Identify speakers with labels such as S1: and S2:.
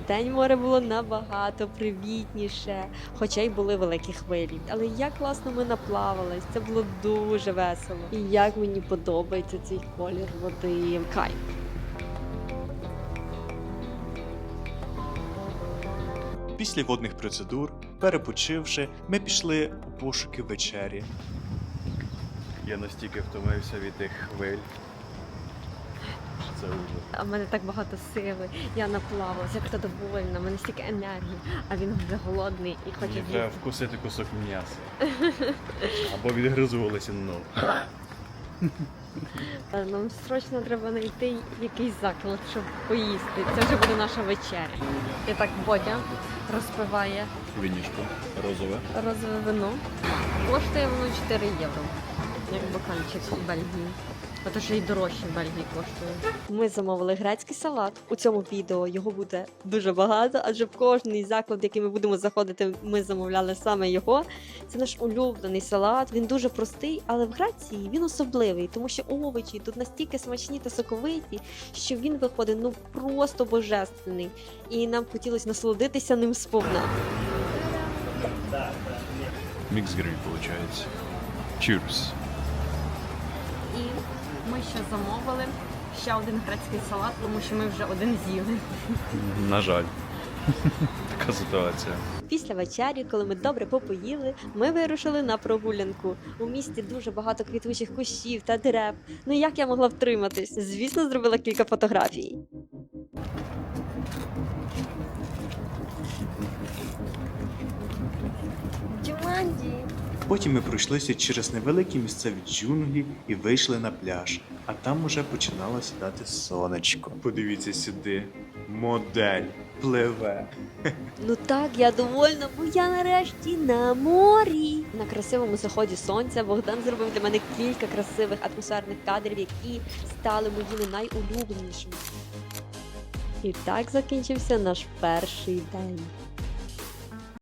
S1: день море було набагато привітніше, хоча й були великі хвилі. Але як класно ми наплавались, це було дуже весело. І як мені подобається цей колір води. Кайф.
S2: Після водних процедур, перепочивши, ми пішли у пошуки вечері.
S3: Я настільки втомився від тих хвиль. Це ужас.
S1: А в мене так багато сили, я наплавалася, як задоволена, в мене стільки енергії, а він вже голодний і хоче
S3: Мені треба
S1: з'їсти.
S3: вкусити кусок м'яса. Або відгризувалися ногу.
S1: Нам срочно треба знайти якийсь заклад, щоб поїсти. Це вже буде наша вечеря. І так Бодя розпиває
S3: Вінішко розове.
S1: розове вино. Коштує воно 4 євро, як бокальчик в Бельгії. Ото ще й дорожче в Бельгії коштує. Ми замовили грецький салат. У цьому відео його буде дуже багато, адже в кожний заклад, в який ми будемо заходити, ми замовляли саме його. Це наш улюблений салат. Він дуже простий, але в Греції він особливий, тому що овочі тут настільки смачні та соковиті, що він виходить просто божественний. І нам хотілося насолодитися ним сповна.
S3: Мікс гриль, виходить. Cheers.
S1: І ми ще замовили ще один грецький салат, тому що ми вже один з'їли.
S3: На жаль. Така ситуація.
S1: Після вечері, коли ми добре попоїли, ми вирушили на прогулянку. У місті дуже багато квітучих кущів та дерев. Ну як я могла втриматись? Звісно, зробила кілька фотографій. Джуманджі!
S2: Потім ми пройшлися через невеликі місцеві джунглі і вийшли на пляж. А там уже починало сідати сонечко. Подивіться сюди. Модель пливе.
S1: Ну так, я довольна, бо я нарешті на морі. На красивому заході сонця Богдан зробив для мене кілька красивих атмосферних кадрів, які стали моїми найулюбленішими. І так закінчився наш перший день.